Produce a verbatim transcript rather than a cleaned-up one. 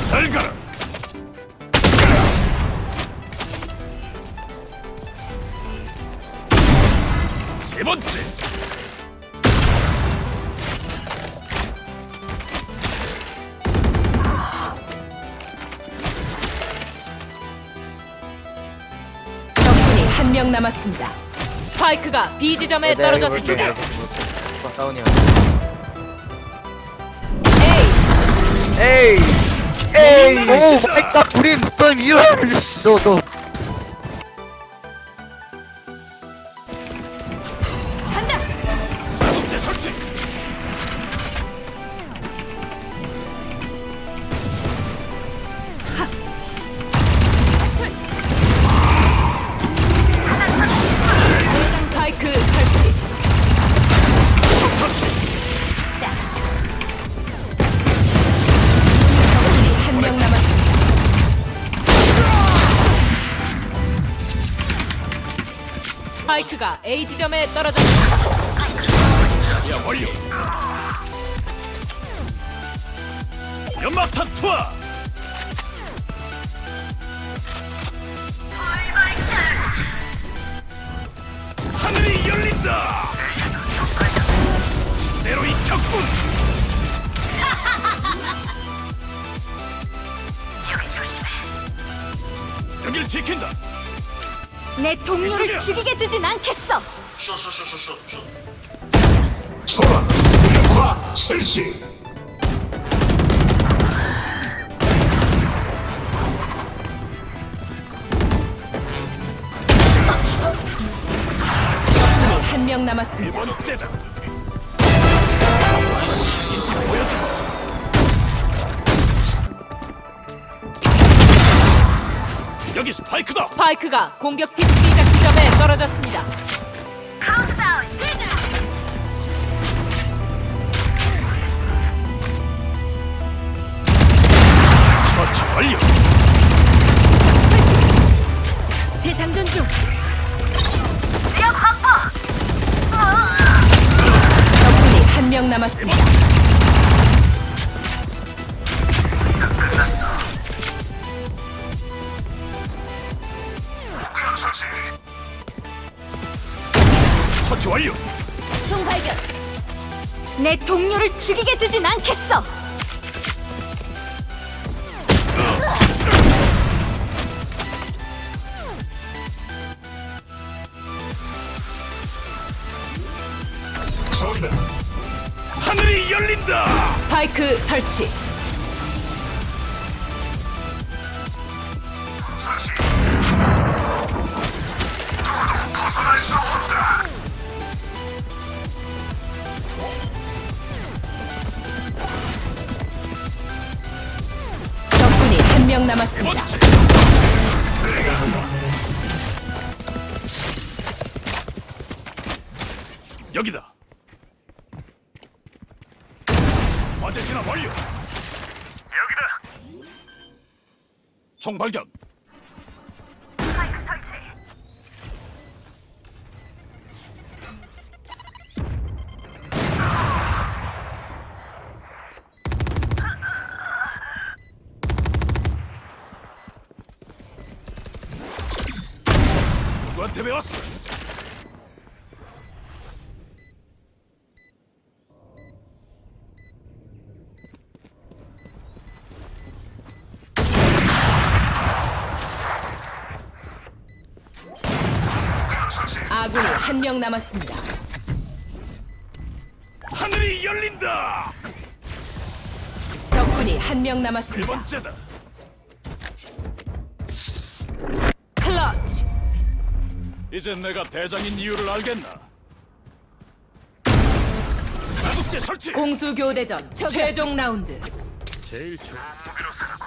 잘 가라. 세 번째. 적군이 한 명 남았습니다. 스파이크가 B 지점에 떨어졌습니다. 아, 다운이야. A 에이, 에이, 오 마이 갓, 브림, 넌 이런, 너, 너. 간다. 자동제 설치. 스파이크 설치. 적 처치. 적군이 한 명 남았습니다. 스파이크가 A 지점에 떨어졌습니다. 야 완료. 연막탄 투하. 하늘이 열린다. 제대로 익혔군. 여길 지킨다. 내 동료를 이쪽이야. 죽이게 두진 않겠어. 초라 역화 실시. 적군이 한 명 네 남았습니다. 번째다. 인지 보여주마. 여기 스파이크다. 스파이크가 공격팀 시작 지점에 떨어졌습니다. 처치 완료. 재장전 중. 적군이 한 명 남았습니다. 처치 완료. 총 발견. 내 동료를 죽이게 두진 않겠어. 저기다. 하늘이 열린다. 스파이크 설치. 벗어날 수 없다. 적군이 한 명 네 남았습니다. 번째. 여기다. 어제 진압 완료. 여기다. 총 발견. 누구한테 배웠어? 아군이 한 명 남았습니다. 하늘이 열린다. 적군이 한 명 네 남았습니다. 번째다. 클러치. 이젠 내가 대장인 이유를 알겠나? 자국제 설치. 공수 교대전 최종 라운드. 제일 좋은 무기로 살아.